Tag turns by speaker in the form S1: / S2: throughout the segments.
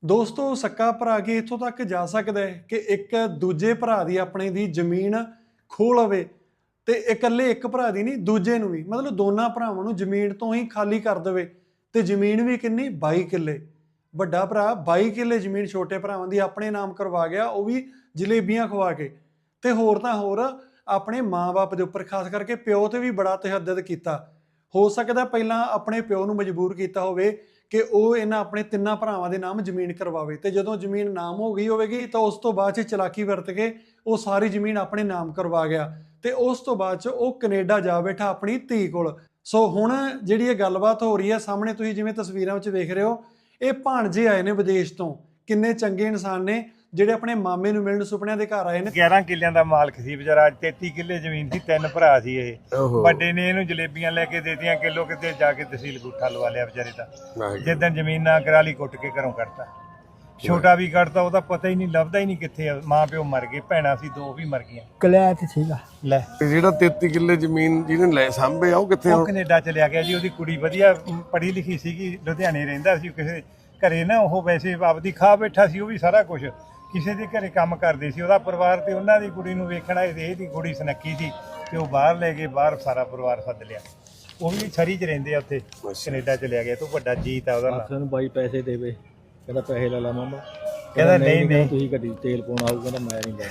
S1: ਦੋਸਤੋ सक्का भरा के इत्थों तक जा सकता है कि एक दूजे भरा दी अपने दी जमीन ਖੋਹ ਲਵੇ ਤੇ ਇਕੱਲੇ ਇੱਕ ਭਰਾ ਦੀ ਨਹੀਂ ਦੂਜੇ ਨੂੰ ਵੀ ਮਤਲਬ ਦੋਨਾਂ ਭਰਾਵਾਂ ਨੂੰ ਜ਼ਮੀਨ ਤੋਂ ਹੀ ਖਾਲੀ ਕਰ ਦੇਵੇ ਤੇ ਜ਼ਮੀਨ ਵੀ ਕਿੰਨੀ 22 ਕਿੱਲੇ ਵੱਡਾ ਭਰਾ 22 ਕਿੱਲੇ ਜ਼ਮੀਨ ਛੋਟੇ ਭਰਾਵਾਂ ਦੀ ਆਪਣੇ ਨਾਮ ਕਰਵਾ ਗਿਆ ਉਹ ਵੀ ਜਲੇਬੀਆਂ ਖਵਾ ਕੇ ਤੇ ਹੋਰ ਤਾਂ ਹੋਰ ਆਪਣੇ ਮਾਂ-ਬਾਪ ਦੇ ਉੱਪਰ ਖਾਸ ਕਰਕੇ ਪਿਓ ਤੇ ਵੀ ਬੜਾ ਤਸ਼ੱਦਦ ਕੀਤਾ ਹੋ ਸਕਦਾ ਪਹਿਲਾਂ ਆਪਣੇ ਪਿਓ ਨੂੰ ਮਜਬੂਰ ਕੀਤਾ ਹੋਵੇ ਕਿ ਉਹ ਇਹਨਾਂ ਆਪਣੇ ਤਿੰਨਾਂ ਭਰਾਵਾਂ ਦੇ ਨਾਮ ਜ਼ਮੀਨ ਕਰਵਾਵੇ ਤੇ ਜਦੋਂ ਜ਼ਮੀਨ ਨਾਮ ਹੋ ਗਈ ਹੋਵੇਗੀ ਤਾਂ ਉਸ ਤੋਂ ਬਾਅਦ 'ਚ ਚਲਾਕੀ ਵਰਤ ਕੇ ਉਹ ਸਾਰੀ ਜ਼ਮੀਨ ਆਪਣੇ ਨਾਮ ਕਰਵਾ ਗਿਆ ਤੇ ਉਸ ਤੋਂ ਬਾਅਦ 'ਚ ਉਹ ਕੈਨੇਡਾ ਜਾ ਬੈਠਾ ਆਪਣੀ ਧੀ ਕੋਲ। ਸੋ ਹੁਣ ਜਿਹੜੀ ਇਹ ਗੱਲਬਾਤ ਹੋ ਰਹੀ ਹੈ ਸਾਹਮਣੇ ਤੁਸੀਂ ਜਿਵੇਂ ਤਸਵੀਰਾਂ ਵਿੱਚ ਵੇਖ ਰਹੇ ਹੋ ਇਹ ਭਾਣਜੇ ਆਏ ਨੇ ਵਿਦੇਸ਼ ਤੋਂ ਕਿੰਨੇ ਚੰਗੇ ਇਨਸਾਨ ਨੇ ਜਿਹੜੇ ਆਪਣੇ ਮਾਮੇ ਨੂੰ ਮਿਲਣ ਸੁਪਨਿਆਂ ਦੇ ਘਰ ਆਏ ਨੇ।
S2: 11 ਕਿੱਲਿਆਂ ਦਾ ਮਾਲਕ ਸੀ ਵਿਚਾਰਾ 33 ਕਿੱਲੇ ਜ਼ਮੀਨ ਸੀ ਤਿੰਨ ਭਰਾ ਸੀ ਇਹ ਵੱਡੇ ਨੇ ਇਹਨੂੰ ਜਲੇਬੀਆਂ ਲੈ ਕੇ ਦੇਤੀਆਂ ਕਿਲੋ ਕਿਤੇ ਜਾ ਕੇ ਤਹਿਸੀਲ ਗੁੱਠਾ ਲਵਾ ਲਿਆ ਵਿਚਾਰੇ ਦਾ ਜਿੱਦਣ ਜ਼ਮੀਨ ਨਾ ਕਰਾ ਲਈ ਕੁੱਟ ਕੇ ਘਰੋਂ ਕੱਢਤਾ ਛੋਟਾ ਵੀ ਕੱਢਤਾ ਉਹਦਾ ਪਤਾ ਹੀ ਨਹੀਂ ਲੱਭਦਾ ਹੀ ਨਹੀਂ ਕਿੱਥੇ ਆ ਮਾਂ ਪਿਓ ਮਰ ਗਏ ਭੈਣਾਂ ਸੀ ਦੋ ਵੀ ਮਰ ਗਈਆਂ
S3: ਕਲੈਤ ਸੀਗਾ
S2: ਲੈ
S4: ਜਿਹੜਾ 33 ਕਿੱਲੇ ਜ਼ਮੀਨ ਜਿਹਨੇ ਲੈ ਸਾਂਭੇ ਆ ਉਹ ਕਿੱਥੇ
S2: ਉਹ ਕੈਨੇਡਾ ਚਲਿਆ ਗਿਆ ਜੀ ਉਹਦੀ ਕੁੜੀ ਵਧੀਆ ਪੜ੍ਹੀ ਲਿਖੀ ਸੀਗੀ ਲੁਧਿਆਣੇ ਰਹਿੰਦਾ ਸੀ ਕਿਸੇ ਘਰੇ ਨਾ ਉਹ ਵੈਸੇ ਆਪਦੀ ਖਾ ਬੈਠਾ ਸੀ ਉਹ ਵੀ ਸਾਰਾ ਕੁਝ ਕਿਸੇ ਦੇ ਘਰੇ ਕੰਮ ਕਰਦੇ ਸੀ ਉਹਦਾ ਪਰਿਵਾਰ ਤੇ ਉਹਨਾਂ ਦੀ ਕੁੜੀ ਨੂੰ ਵੇਖਣਾ ਇਹਦੀ ਕੁੜੀ ਸੁਨੱਖੀ ਸੀ ਤੇ ਉਹ ਬਾਹਰ ਲੈ ਗਏ ਬਾਹਰ ਸਾਰਾ ਪਰਿਵਾਰ ਸੱਦ ਲਿਆ ਉਹ ਵੀ ਛਰੀ 'ਚ ਰਹਿੰਦੇ ਆ ਉੱਥੇ ਕੈਨੇਡਾ ਚਲਿਆ ਗਿਆ ਤੂੰ ਵੱਡਾ ਜੀਤ ਆ ਉਹਦਾ
S3: ਸਾਨੂੰ ਬਾਈ ਪੈਸੇ ਦੇਵੇ ਕਹਿੰਦਾ ਪੈਸੇ ਲੈ ਲਾ ਮਾਮਾ
S2: ਕਹਿੰਦਾ ਨਹੀਂ
S3: ਤੁਸੀਂ ਗੱਡੀ ਤੇਲ ਪਾਉਣ ਆਊ ਕਹਿੰਦਾ ਮੈਂ ਨਹੀਂ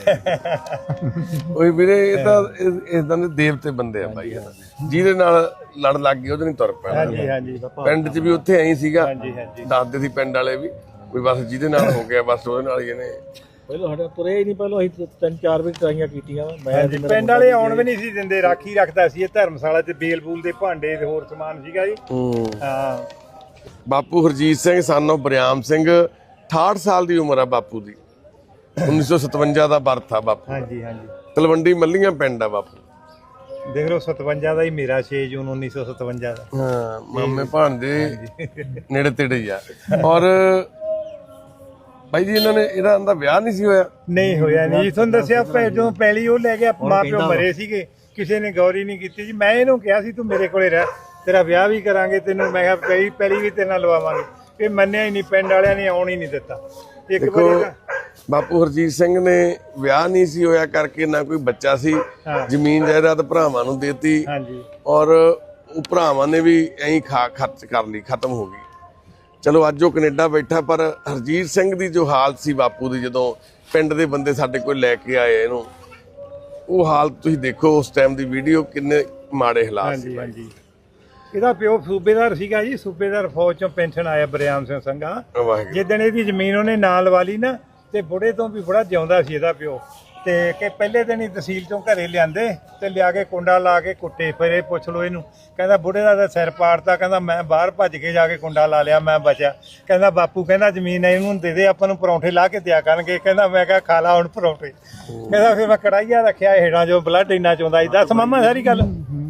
S3: ਦੇਣਾ
S4: ਓਏ ਵੀਰੇ ਇਹ ਤਾਂ ਇਦਾਂ ਦੇ ਦੇਵਤੇ ਬੰਦੇ ਆ ਬਾਈ ਜਿਹਦੇ ਨਾਲ ਲੜ ਲੱਗ ਗਏ ਉਹਦੇ ਨਹੀਂ ਤੁਰ ਪੈਣਾ।
S2: ਹਾਂਜੀ ਹਾਂਜੀ
S4: ਪਿੰਡ 'ਚ ਵੀ ਉੱਥੇ ਐਂ ਸੀਗਾ
S2: ਹਾਂਜੀ ਹਾਂਜੀ
S4: ਦੱਸਦੇ ਸੀ ਪਿੰਡ ਵਾਲੇ ਵੀ ਕੋਈ ਬਸ ਜਿਹਦੇ ਨਾਲ ਹੋ ਗਿਆ ਬਸ ਉਹਦੇ ਨਾਲ ਹੀ ਇਹਨੇ
S3: ਪਹਿਲਾਂ ਸਾਡਾ ਤੁਰੇ ਹੀ ਨਹੀਂ ਪਹਿਲਾਂ ਅਸੀਂ 3-4 ਵੀ ਟਰਾਈਆਂ ਕੀਤੀਆਂ ਮੈਂ
S2: ਪਿੰਡ ਵਾਲੇ ਆਉਣ ਵੀ ਨਹੀਂ ਸੀ ਦਿੰਦੇ ਰਾਖੀ ਰੱਖਦਾ ਸੀ ਇਹ ਧਰਮਸ਼ਾਲਾ 'ਚ ਬੇਲ ਬੂਲ ਦੇ ਭਾਂਡੇ ਤੇ ਹੋਰ ਸਮਾਨ ਸੀਗਾ ਜੀ। ਹਾਂ
S4: ਬਾਪੂ ਹਰਜੀਤ ਸਿੰਘ ਸਾਨੋ ਬਰਿਆਮ ਸਿੰਘ 68 ਸਾਲ ਦੀ ਉਮਰ ਆ ਬਾਪੂ ਦੀ 1957 ਦਾ ਬਰਥ ਆ ਬਾਪੂ।
S2: ਹਾਂਜੀ ਹਾਂਜੀ
S4: ਤਲਵੰਡੀ ਮੱਲੀਆਂ ਪਿੰਡ ਆ ਬਾਪੂ
S2: ਦੇਖ ਲਓ 57 ਦਾ ਹੀ ਮੇਰਾ 6 ਜੂਨ 1957 ਦਾ।
S4: ਹਾਂ ਮਾਮੇ ਭਾਂਦੇ ਨੇੜੇ ਤੇੜੇ ਹੀ ਆ। ਔਰ ਬਾਈ ਜੀ ਇਹਨਾਂ ਨੇ ਇਹਦਾ ਅੰਦਾ ਵਿਆਹ ਨਹੀਂ ਸੀ ਹੋਇਆ?
S2: ਨਹੀਂ ਹੋਇਆ ਨਹੀਂ ਤੁਹਾਨੂੰ ਦੱਸਿਆ ਜਦੋਂ ਪਹਿਲੀ ਉਹ ਲੈ ਗਿਆ ਮਾਂ ਪਿਓ ਮਰੇ ਸੀਗੇ ਕਿਸੇ ਨੇ ਗੌਰੀ ਨਹੀਂ ਕੀਤੀ ਜੀ। ਮੈਂ ਇਹਨੂੰ ਕਿਹਾ ਸੀ ਤੂੰ ਮੇਰੇ ਕੋਲੇ ਰਹਿ ਤੇਰਾ ਵਿਆਹ ਵੀ ਕਰਾਂਗੇ ਤੈਨੂੰ ਮੈਂ ਕਿਹਾ ਪਹਿਲੀ ਵੀ ਤੇਰੇ ਨਾਲ ਲਵਾਵਾਂਗੇ ਇਹ ਮੰਨਿਆ ਹੀ ਨਹੀਂ ਪਿੰਡ ਵਾਲਿਆਂ ਨੇ ਆਉਣ ਹੀ ਨਹੀਂ ਦਿੱਤਾ। ਇੱਕ ਵਾਰੀ
S4: ਬਾਪੂ ਹਰਜੀਤ ਸਿੰਘ ਨੇ ਵਿਆਹ ਨਹੀਂ ਸੀ ਹੋਇਆ ਕਰਕੇ ਨਾ ਕੋਈ ਬੱਚਾ ਸੀ ਜ਼ਮੀਨ ਜਾਇਦਾਦ ਭਰਾਵਾਂ ਨੂੰ ਦੇਤੀ
S2: ਹਾਂਜੀ
S4: ਔਰ ਉਹ ਭਰਾਵਾਂ ਨੇ ਵੀ ਐਂ ਖਰਚ ਕਰ ਲਈ ਖਤਮ ਹੋ ਗਈ। ਚਲੋ ਅੱਜ ਉਹ ਕੈਨੇਡਾ ਬੈਠਾ ਪਰ ਹਰਜੀਤ ਸਿੰਘ ਦੀ ਜੋ ਹਾਲਤ ਸੀ ਬਾਪੂ ਦੀ ਜਦੋਂ ਪਿੰਡ ਦੇ ਬੰਦੇ ਸਾਡੇ ਕੋਲ ਲੈ ਕੇ ਆਏ ਇਹਨੂੰ ਉਹ ਹਾਲਤ ਤੁਸੀਂ ਦੇਖੋ ਉਸ ਟਾਈਮ ਦੀ ਵੀਡੀਓ ਕਿੰਨੇ ਮਾੜੇ ਹਾਲਾਤ ਸੀ।
S2: ਹਾਂਜੀ ਇਹਦਾ ਪਿਓ ਸੂਬੇਦਾਰ ਸੀਗਾ ਜੀ ਸੂਬੇਦਾਰ ਫੌਜ ਚੋਂ ਪੈਨਸ਼ਨ ਆਇਆ ਬਰਿਆਮ ਸਿੰਘ ਸੰਘਾ ਜਿੱਦਣ ਇਹਦੀ ਜ਼ਮੀਨ ਉਹਨੇ ਨਾਲ ਲਵਾ ਲਈ ਨਾ ਤੇ ਬੁੜੇ ਤੋਂ ਵੀ ਬੜਾ ਜਿਉਂਦਾ ਸੀ ਇਹਦਾ ਪਿਓ ਤੇ ਕਿ ਪਹਿਲੇ ਦਿਨ ਹੀ ਤਹਿਸੀਲ ਚੋਂ ਘਰੇ ਲਿਆਂਦੇ ਤੇ ਲਿਆ ਕੇ ਕੁੰਡਾ ਲਾ ਕੇ ਕੁੱਟੇ ਫਿਰ ਇਹ ਪੁੱਛ ਲਓ ਇਹਨੂੰ ਕਹਿੰਦਾ ਬੁੜੇ ਦਾ ਤਾਂ ਸਿਰ ਪਾੜਤਾ ਕਹਿੰਦਾ ਮੈਂ ਬਾਹਰ ਭੱਜ ਕੇ ਜਾ ਕੇ ਕੁੰਡਾ ਲਾ ਲਿਆ ਮੈਂ ਬਚਿਆ ਕਹਿੰਦਾ ਬਾਪੂ ਕਹਿੰਦਾ ਜ਼ਮੀਨ ਇਹਨੂੰ ਦੇ ਦੇ ਆਪਾਂ ਨੂੰ ਪਰੌਂਠੇ ਲਾ ਕੇ ਦਿਆ ਕਰਨਗੇ ਕਹਿੰਦਾ ਮੈਂ ਕਿਹਾ ਖਾ ਲਾ ਹੁਣ ਪਰੌਂਠੇ ਕਹਿੰਦਾ ਫਿਰ ਮੈਂ ਕੜਾਈਆ ਰੱਖਿਆ ਹੇਠਾਂ ਜੋ ਬਲੱਡ ਇੰਨਾ ਚੋਂਦਾ ਸੀ। ਦੱਸ ਮਾਮਾ ਸਾਰੀ ਗੱਲ।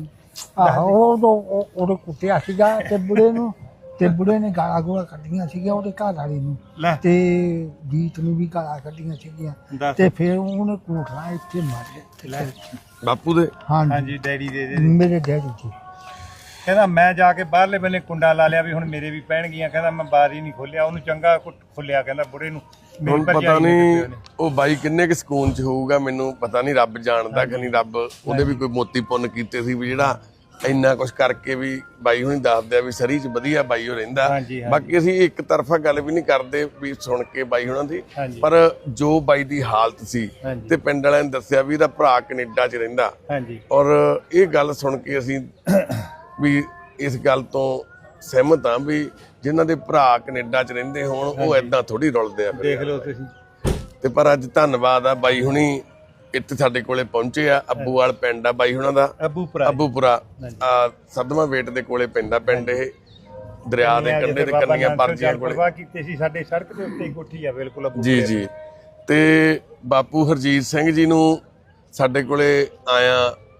S3: ਆਹੋ ਉਹਦੇ ਕੁੱਟਿਆ ਸੀਗਾ ਤੇ ਬੁੜੇ ਨੇ ਗਾਲਾਂ ਗੋਲਾਂ ਕੱਢੀਆਂ ਸੀਗੀਆਂ ਉਹਦੇ ਘਰ ਵਾਲੀ ਨੂੰ ਤੇ ਜੀਤ ਨੂੰ ਵੀ ਗਾਲਾਂ ਕੱਢੀਆਂ ਸੀਗੀਆਂ ਤੇ ਫਿਰ ਉਹਨੇ ਕੋਠਾ ਇੱਥੇ ਮਾਰਿਆ
S4: ਬਾਪੂ ਦੇ।
S2: ਹਾਂਜੀ ਡੈਡੀ ਦੇ
S3: ਮੇਰੇ ਡੈਡੀ ਜੀ
S2: ਕਹਿੰਦਾ ਮੈਂ ਜਾ ਕੇ ਬਾਹਰਲੇ ਬੰਨੇ ਕੁੰਡਾ ਲਾ ਲਿਆ ਵੀ ਹੁਣ ਮੇਰੇ ਵੀ ਪੈਣਗੀਆਂ ਕਹਿੰਦਾ ਮੈਂ ਬਾਰ ਹੀ ਨਹੀਂ ਖੋਲਿਆ ਉਹਨੂੰ ਚੰਗਾ ਖੋਲਿਆ ਕਹਿੰਦਾ ਬੁੜੇ ਨੂੰ
S4: ਹੁਣ ਪਤਾ ਨਹੀਂ ਉਹ ਬਾਈ ਕਿੰਨੇ ਕੁ ਸਕੂਨ ਚ ਹੋਊਗਾ ਮੈਨੂੰ ਪਤਾ ਨਹੀਂ ਰੱਬ ਜਾਣਦਾ ਕਿ ਨਹੀਂ ਰੱਬ ਉਹਦੇ ਵੀ ਕੋਈ ਮੋਤੀ ਪੁੰਨ ਕੀਤੇ ਸੀ ਵੀ ਜਿਹੜਾ ਇੰਨਾ ਕੁਛ ਕਰਕੇ ਵੀ ਬਾਈ ਹੁਣੀ ਦੱਸਦੇ ਆ ਵੀ ਸਰੀ ਚ ਵਧੀਆ ਬਾਈ ਉਹ ਰਹਿੰਦਾ। ਬਾਕੀ ਅਸੀਂ ਇੱਕ ਤਰਫਾ ਗੱਲ ਵੀ ਨਹੀਂ ਕਰਦੇ ਵੀ ਸੁਣ ਕੇ ਬਾਈ ਹੁਣਾਂ ਦੀ ਪਰ ਜੋ ਬਾਈ ਦੀ ਹਾਲਤ ਸੀ ਤੇ ਪਿੰਡ ਵਾਲਿਆਂ ਨੇ ਦੱਸਿਆ ਵੀ ਇਹਦਾ ਭਰਾ ਕੈਨੇਡਾ ਚ ਰਹਿੰਦਾ ਔਰ ਇਹ ਗੱਲ ਸੁਣ ਕੇ ਅਸੀਂ ਵੀ ਇਸ ਗੱਲ ਤੋਂ ਸਹਿਮਤ ਹਾਂ ਵੀ ਜਿਨ੍ਹਾਂ ਦੇ ਭਰਾ ਕੈਨੇਡਾ ਚ ਰਹਿੰਦੇ ਹੋਣ ਉਹ ਏਦਾਂ ਥੋੜੀ ਰੁਲਦੇ ਆ
S2: ਦੇਖ ਲਓ ਤੁਸੀਂ।
S4: ਤੇ ਪਰ ਅੱਜ ਧੰਨਵਾਦ ਆ ਬਾਈ ਹੁਣੀ ਇੱਥੇ ਸਾਡੇ ਕੋਲੇ ਪਹੁੰਚੇ ਆ। ਅੱਬੂਵਾਲ ਪਿੰਡ ਆ ਬਾਈ ਹੁਣਾਂ ਦਾ ਅੱਬੂਪੁਰਾ ਸਦਮਾ ਵੇਟ ਦੇ ਕੋਲੇ ਪੈਂਦਾ ਪਿੰਡ ਇਹ ਦਰਿਆ ਦੇ ਕੰਢੇ ਤੇ ਕੰਨੀਆਂ ਪਰਜੀਆਂ ਕੋਲੇ
S2: ਕੀਤੇ ਸੀ ਸਾਡੇ ਸੜਕ ਦੇ ਉੱਤੇ ਕੋਠੀ ਆ ਬਿਲਕੁਲ
S4: ਜੀ ਜੀ। ਤੇ ਬਾਪੂ ਹਰਜੀਤ ਸਿੰਘ ਜੀ ਨੂੰ ਸਾਡੇ ਕੋਲੇ ਆਇਆ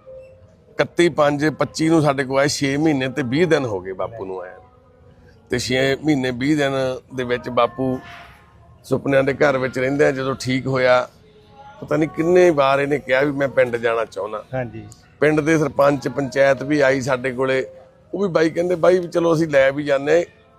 S4: 31/5/25 ਨੂੰ ਸਾਡੇ ਕੋਲ ਆਏ 6 ਮਹੀਨੇ ਤੇ 20 ਦਿਨ ਹੋ ਗਏ ਬਾਪੂ ਨੂੰ ਆਇਆ ਤੇ 6 ਮਹੀਨੇ 20 ਦਿਨ ਦੇ ਵਿੱਚ ਬਾਪੂ ਸੁਪਨਿਆਂ ਦੇ ਘਰ ਵਿੱਚ ਰਹਿੰਦੇ ਆ। ਜਦੋਂ ਠੀਕ ਹੋਇਆ ਪਤਾ ਨਹੀਂ ਕਿੰਨੇ ਵਾਰ ਇਹਨੇ ਕਿਹਾ ਵੀ ਮੈਂ ਪਿੰਡ ਜਾਣਾ ਚਾਹੁੰਦਾ।
S2: ਹਾਂਜੀ
S4: ਪਿੰਡ ਦੇ ਸਰਪੰਚ ਪੰਚਾਇਤ ਵੀ ਆਈ ਸਾਡੇ ਕੋਲੇ ਉਹ ਵੀ ਬਾਈ ਕਹਿੰਦੇ ਬਾਈ ਵੀ ਚਲੋ ਅਸੀਂ ਲੈ ਵੀ ਜਾਂਦੇ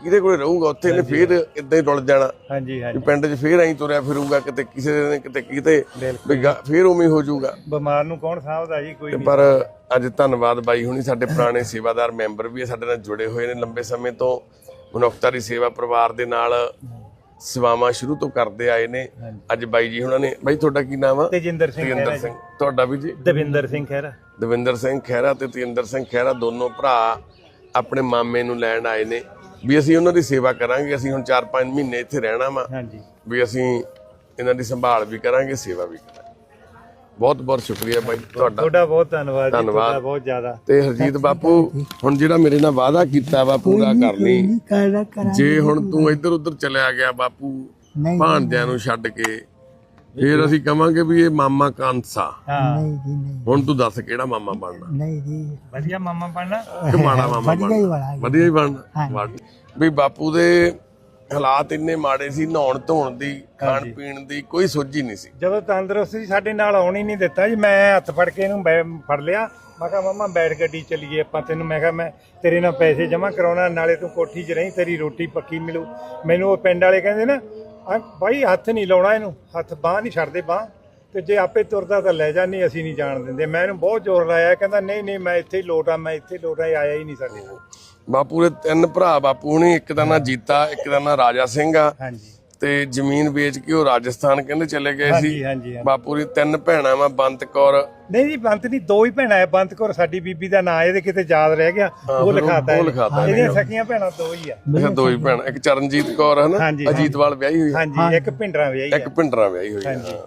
S4: ਕਿਹਦੇ ਕੋਲੇ ਰਹੂਗਾ ਉੱਥੇ ਇਹਨੇ ਫੇਰ ਇਦਾਂ ਹੀ ਰੁਲ ਜਾਣਾ
S2: ਹਾਂਜੀ ਹਾਂਜੀ
S4: ਵੀ ਪਿੰਡ 'ਚ ਫੇਰ ਐਂ ਤੁਰਿਆ ਫਿਰੂਗਾ ਕਿਤੇ ਕਿਸੇ ਨੇ ਕਿਤੇ ਕਿਤੇ ਵੀ ਫੇਰ ਉਵੇਂ ਹੀ ਹੋ ਜਾਊਗਾ।
S2: ਬਿਮਾਰ ਨੂੰ ਕੌਣ ਸਾਂਭਦਾ ਜੀ, ਕੋਈ ਨਹੀਂ।
S4: ਪਰ ਅੱਜ ਧੰਨਵਾਦ ਬਾਈ ਹੁਣੀ ਸਾਡੇ ਪੁਰਾਣੇ ਸੇਵਾਦਾਰ ਮੈਂਬਰ ਵੀ ਸਾਡੇ ਨਾਲ ਜੁੜੇ ਹੋਏ ਨੇ ਲੰਬੇ ਸਮੇਂ ਤੋਂ, ਮਨੁੱਖਤਾ ਦੀ ਸੇਵਾ ਪਰਿਵਾਰ ਦੇ ਨਾਲ ਸੇਵਾਵਾਂ ਸ਼ੁਰੂ ਤੋਂ ਕਰਦੇ ਆਏ ਨੇ। ਅੱਜ ਬਾਈ ਜੀ ਹੁਣਾਂ ਨੇ, ਬਾਈ ਤੁਹਾਡਾ ਕੀ ਨਾਮ ਆ?
S2: ਤੇਜਿੰਦਰ ਸਿੰਘ ਖਹਿਰਾ ਜੀ।
S4: ਤੁਹਾਡਾ ਵੀ ਜੀ?
S2: ਦਵਿੰਦਰ ਸਿੰਘ ਖਹਿਰਾ।
S4: ਦਵਿੰਦਰ ਸਿੰਘ ਖਹਿਰਾ ਤੇ ਤੇਜਿੰਦਰ ਸਿੰਘ ਖਹਿਰਾ ਦੋਨੋਂ ਭਰਾ ਆਪਣੇ ਮਾਮੇ ਨੂੰ ਲੈਣ ਆਏ ਨੇ ਵੀ ਅਸੀਂ ਉਹਨਾਂ ਦੀ ਸੇਵਾ ਕਰਾਂਗੇ। ਅਸੀਂ ਹੁਣ 4-5 ਮਹੀਨੇ ਇੱਥੇ ਰਹਿਣਾ ਵਾ
S2: ਹਾਂਜੀ
S4: ਵੀ ਅਸੀਂ ਇਹਨਾਂ ਦੀ ਸੰਭਾਲ ਵੀ ਕਰਾਂਗੇ, ਸੇਵਾ ਵੀ ਕਰਾਂਗੇ। ਬਹੁਤ ਬਹੁਤ ਸ਼ੁਕਰੀਆ ਬਾਈ ਤੁਹਾਡਾ।
S2: ਤੁਹਾਡਾ ਬਹੁਤ ਧੰਨਵਾਦ ਜੀ, ਤੁਹਾਡਾ ਬਹੁਤ ਜ਼ਿਆਦਾ।
S4: ਤੇ ਹਰਜੀਤ ਬਾਪੂ ਹੁਣ ਜਿਹੜਾ ਮੇਰੇ ਨਾਲ ਵਾਅਦਾ ਕੀਤਾ ਵਾ ਪੂਰਾ ਕਰ ਲਈ। ਜੇ ਹੁਣ ਤੂੰ ਇੱਧਰ ਉੱਧਰ ਚਲਿਆ ਗਿਆ ਬਾਪੂ ਭਾਂਜਿਆਂ ਨੂੰ ਛੱਡ ਕੇ, ਫੇਰ ਅਸੀਂ ਕਵਾਂਗੇ ਵੀ ਇਹ ਮਾਮਾ ਕਾਂਸਾ।
S2: ਹਾਂ
S4: ਹੁਣ ਤੂੰ ਦੱਸ ਕਿਹੜਾ ਮਾਮਾ ਬਣਨਾ?
S3: ਨਹੀਂ ਜੀ,
S2: ਵਧੀਆ ਮਾਮਾ ਬਣਨਾ
S4: ਕਿ ਮਾੜਾ ਮਾਮਾ ਬਣਨਾ? ਵਧੀਆ ਹੀ ਬਣਨਾ। ਵੀ ਬਾਪੂ ਦੇ ਹਾਲਾਤ ਇੰਨੇ ਮਾੜੇ ਸੀ, ਨਹਾਉਣ ਧੋਣ ਦੀ, ਖਾਣ ਪੀਣ ਦੀ ਕੋਈ ਸੋਝੀ ਨਹੀਂ ਸੀ।
S2: ਜਦੋਂ ਤੰਦਰੁਸਤੀ ਸਾਡੇ ਨਾਲ ਆਉਣ ਹੀ ਨਹੀਂ ਦਿੱਤਾ ਜੀ, ਮੈਂ ਹੱਥ ਫੜ ਕੇ ਇਹਨੂੰ ਫੜ ਲਿਆ। ਮੈਂ ਕਿਹਾ ਮਾਮਾ ਬੈਠ ਗੱਡੀ ਚੱਲੀਏ ਆਪਾਂ, ਤੈਨੂੰ ਮੈਂ ਕਿਹਾ ਮੈਂ ਤੇਰੇ ਨਾਲ ਪੈਸੇ ਜਮ੍ਹਾਂ ਕਰਾਉਣਾ, ਨਾਲੇ ਤੂੰ ਕੋਠੀ 'ਚ ਰਹੀਂ, ਤੇਰੀ ਰੋਟੀ ਪੱਕੀ ਮਿਲੂ। ਮੈਨੂੰ ਉਹ ਪਿੰਡ ਵਾਲੇ ਕਹਿੰਦੇ ਨਾ ਬਾਈ ਹੱਥ ਨਹੀਂ ਲਾਉਣਾ ਇਹਨੂੰ, ਹੱਥ ਬਾਂਹ ਨਹੀਂ ਛੱਡਦੇ ਬਾਂਹ, ਤੇ ਜੇ ਆਪੇ ਤੁਰਦਾ ਤਾਂ ਲੈ ਜਾ, ਨਹੀਂ ਅਸੀਂ ਨਹੀਂ ਜਾਣ ਦਿੰਦੇ। ਮੈਂ ਇਹਨੂੰ ਬਹੁਤ ਜ਼ੋਰ ਲਾਇਆ, ਕਹਿੰਦਾ ਨਹੀਂ ਨਹੀਂ ਮੈਂ ਇੱਥੇ ਹੀ ਲੋਟਾਂ, ਮੈਂ ਇੱਥੇ ਲੋਟਾਂ। ਆਇਆ ਹੀ ਨਹੀਂ ਸਾਡੇ ਕੋਲ।
S4: ਬਾਪੂ ਦੇ 3 ਭਰਾ ਬਾਪੂ ਹੁਣੀ, ਇੱਕ ਦਾ ਨਾਂ ਜੀਤਾ, ਇੱਕ ਦਾ ਨਾਂ ਰਾਜਾ ਸਿੰਘ ਆ,
S2: ਹਾਂਜੀ
S4: ਤੇ ਜ਼ਮੀਨ ਵੇਚ ਕੇ ਉਹ ਰਾਜਸਥਾਨ ਕਹਿੰਦੇ ਚਲੇ ਗਏ ਸੀ।
S2: ਹਾਂਜੀ
S4: ਬਾਪੂ ਦੀ 3 ਭੈਣਾਂ ਵਾ, ਬੰਤ ਕੌਰ।
S2: ਨਹੀਂ ਜੀ ਬੰਤ ਨਹੀਂ, 2 ਹੀ ਭੈਣਾਂ ਹੈ। ਬੰਤ ਕੌਰ ਸਾਡੀ ਬੀਬੀ ਦਾ ਨਾਂ, ਇਹਦੇ ਕਿਤੇ ਯਾਦ ਰਹਿ ਗਿਆ, ਉਹ ਲਿਖਾਤਾ ਇਹਦੀਆਂ ਸਕੀਆਂ ਭੈਣਾਂ 2 ਹੀ ਆ।
S4: ਅੱਛਾ 2 ਹੀ ਭੈਣਾਂ, ਇੱਕ ਚਰਨਜੀਤ ਕੌਰ ਹੈ ਨਾ, ਅਜੀਤਵਾਲ ਵਿਆਹੀ ਹੋਈ।
S2: ਹਾਂਜੀ ਇੱਕ ਭਿੰਡਰਾਂ ਵਿਆਹੀ
S4: ਇੱਕ ਭਿੰਡਰਾਂ ਵਿਆਹੀ ਹੋਈ।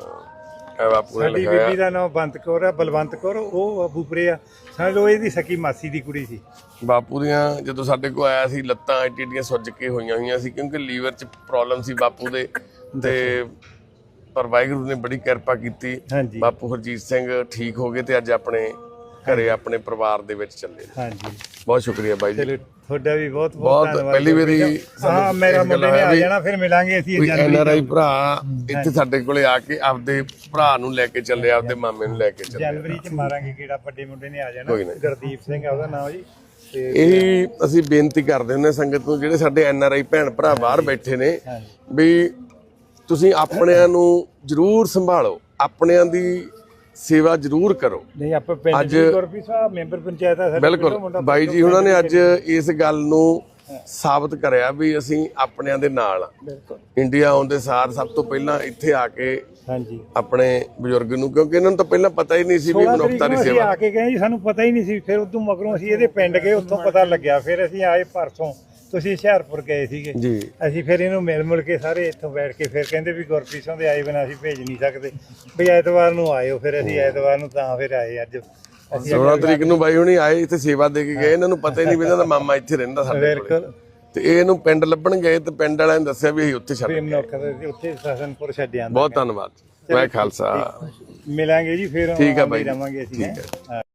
S4: ਇਹ ਬਾਪੂ ਨੇ
S2: ਸਾਡੀ
S4: ਲਿਖਾਇਆ।
S2: ਬੀਬੀ ਦਾ ਨਾਮ ਬੰਤ ਕੌਰ ਆ, ਬਲਵੰਤ ਕੌਰ, ਉਹ ਅਬੂਪਰੇ ਆ। ਸਾਨੂੰ ਇਹਦੀ ਸਕੀ ਮਾਸੀ ਦੀ ਕੁੜੀ ਸੀ।
S4: ਬਾਪੂ ਦੀਆਂ ਜਦੋਂ ਸਾਡੇ ਕੋਲ ਆਇਆ ਸੀ ਲੱਤਾਂ ਐਡੀਆਂ ਸੁੱਜ ਕੇ ਹੋਈਆਂ ਸੀ, ਕਿਉਂਕਿ ਲੀਵਰ 'ਚ ਪ੍ਰੋਬਲਮ ਸੀ ਬਾਪੂ ਦੇ। ਤੇ ਪਰ ਵਾਹਿਗੁਰੂ ਨੇ ਬੜੀ ਕਿਰਪਾ ਕੀਤੀ, ਬਾਪੂ ਹਰਜੀਤ ਸਿੰਘ ਠੀਕ ਹੋ ਗਏ ਤੇ ਅੱਜ ਆਪਣੇ ਘਰੇ ਆਪਣੇ ਪਰਿਵਾਰ ਦੇ ਵਿੱਚ ਚੱਲੇ।
S2: ਹਾਂਜੀ
S4: ਬਹੁਤ ਸ਼ੁਕਰੀਆ ਬਾਈ ਜੀ,
S2: ਤੁਹਾਡਾ ਵੀ ਬਹੁਤ ਬਹੁਤ ਧੰਨਵਾਦ।
S4: ਪਹਿਲੀ ਵਾਰੀ
S2: ਹਾਂ ਮੇਰਾ ਮੁੰਡੇ ਨੇ ਆ ਜਾਣਾ, ਫਿਰ ਮਿਲਾਂਗੇ ਅਸੀਂ।
S4: NRI ਭਰਾ ਇੱਥੇ ਸਾਡੇ ਕੋਲੇ ਆ ਕੇ ਆਪਦੇ ਭਰਾ ਨੂੰ ਲੈ ਕੇ ਚੱਲੇ, ਆਪਦੇ ਮਾਮੇ ਨੂੰ ਲੈ ਕੇ ਚੱਲੇ।
S2: ਜਨਵਰੀ 'ਚ ਮਾਰਾਂਗੇ ਕਿਹੜਾ, ਵੱਡੇ ਮੁੰਡੇ ਨੇ ਆ ਜਾਣਾ, ਗੁਰਦੀਪ ਸਿੰਘ ਆ ਉਹਦਾ ਨਾਮ ਜੀ।
S4: ਇਹੀ ਅਸੀਂ ਬੇਨਤੀ ਕਰਦੇ ਹੁੰਦੇ ਸੰਗਤ ਨੂੰ, ਜਿਹੜੇ ਸਾਡੇ NRI ਭੈਣ ਭਰਾ ਬਾਹਰ ਬੈਠੇ ਨੇ, ਵੀ ਤੁਸੀਂ ਆਪਣਿਆਂ ਨੂੰ ਜ਼ਰੂਰ ਸੰਭਾਲੋ, ਆਪਣਿਆਂ ਦੀ ਸੇਵਾ ਜ਼ਰੂਰ ਕਰੋ।
S2: ਨਹੀਂ ਆਪਾਂ ਪਿੰਡ ਦੀ ਗੁਰਪ੍ਰੀਤ ਸਾਹਿਬ ਮੈਂਬਰ ਪੰਚਾਇਤ ਆ ਸਾਡੇ।
S4: ਬਿਲਕੁਲ ਬਾਈ ਜੀ ਉਹਨਾਂ ਨੇ ਅੱਜ ਇਸ ਗੱਲ ਨੂੰ ਸਾਬਤ ਕਰਿਆ ਵੀ ਅਸੀਂ ਆਪਣਿਆਂ ਦੇ ਨਾਲ ਆ। ਇੰਡੀਆ ਆਉਣ ਦੇ ਸਾਰ ਸਭ ਤੋਂ ਪਹਿਲਾਂ ਇੱਥੇ ਆ ਕੇ
S2: ਹਾਂਜੀ
S4: ਆਪਣੇ ਬਜ਼ੁਰਗ ਨੂੰ, ਕਿਉਂਕਿ ਇਹਨਾਂ ਨੂੰ ਤਾਂ ਪਹਿਲਾਂ ਪਤਾ ਹੀ ਨਹੀਂ ਸੀ ਵੀ ਮਨੁੱਖਤਾ ਦੀ ਸੇਵਾ।
S2: ਆ ਕੇ ਗਏ ਜੀ, ਸਾਨੂੰ ਪਤਾ ਹੀ ਨਹੀਂ ਸੀ। ਫਿਰ ਉਦੋਂ ਮਗਰੋਂ ਅਸੀਂ ਇਹਦੇ ਪਿੰਡ ਗਏ, ਉੱਥੋਂ ਪਤਾ ਲੱਗਿਆ। ਫਿਰ ਅਸੀਂ ਆਏ ਪਰਸੋਂ, ਤੁਸੀਂ ਹੁਸ਼ਿਆਰਪੁਰ ਗਏ ਸੀਗੇ
S4: ਜੀ।
S2: ਅਸੀਂ ਫਿਰ ਇਹਨੂੰ ਮਿਲ ਕੇ ਸਾਰੇ ਇੱਥੋਂ ਬੈਠ ਕੇ ਫਿਰ ਕਹਿੰਦੇ ਵੀ ਗੁਰਪ੍ਰੀਤ ਸਿੰਘ ਦੇ ਆਏ ਬਿਨਾਂ ਅਸੀਂ ਭੇਜ ਨਹੀਂ ਸਕਦੇ, ਵੀ ਐਤਵਾਰ ਨੂੰ ਆਇਓ। ਫਿਰ ਅਸੀਂ ਐਤਵਾਰ ਨੂੰ ਤਾਂ ਫਿਰ ਆਏ। ਅੱਜ
S4: 16 ਤਰੀਕ ਨੂੰ ਬਾਈ ਹੁਣੀ ਆਏ, ਇੱਥੇ ਸੇਵਾ ਦੇ ਕੇ ਗਏ। ਇਹਨਾਂ ਨੂੰ ਪਤਾ ਹੀ ਨਹੀਂ ਵੀ ਇਹਨਾਂ ਦਾ ਮਾਮਾ ਇੱਥੇ ਰਹਿੰਦਾ ਸਾਡੇ ਕੋਲ, ਤੇ ਇਹਨੂੰ ਪਿੰਡ ਲੱਭਣ ਗਏ ਤੇ ਪਿੰਡ ਵਾਲਿਆਂ ਨੇ ਦੱਸਿਆ ਵੀ ਅਸੀਂ ਉੱਥੇ ਛੱਡ ਗਏ।
S2: ਉੱਥੇ ਸਹਸਨਪੁਰ ਛੱਡਿਆ।
S4: ਬਹੁਤ ਧੰਨਵਾਦ। ਵਾਹਿ ਖਾਲਸਾ।
S2: ਮਿਲਾਂਗੇ ਜੀ ਫਿਰ,
S4: ਠੀਕ ਆ ਬਾਈ,
S2: ਰਵਾਂਗੇ ਅਸੀਂ।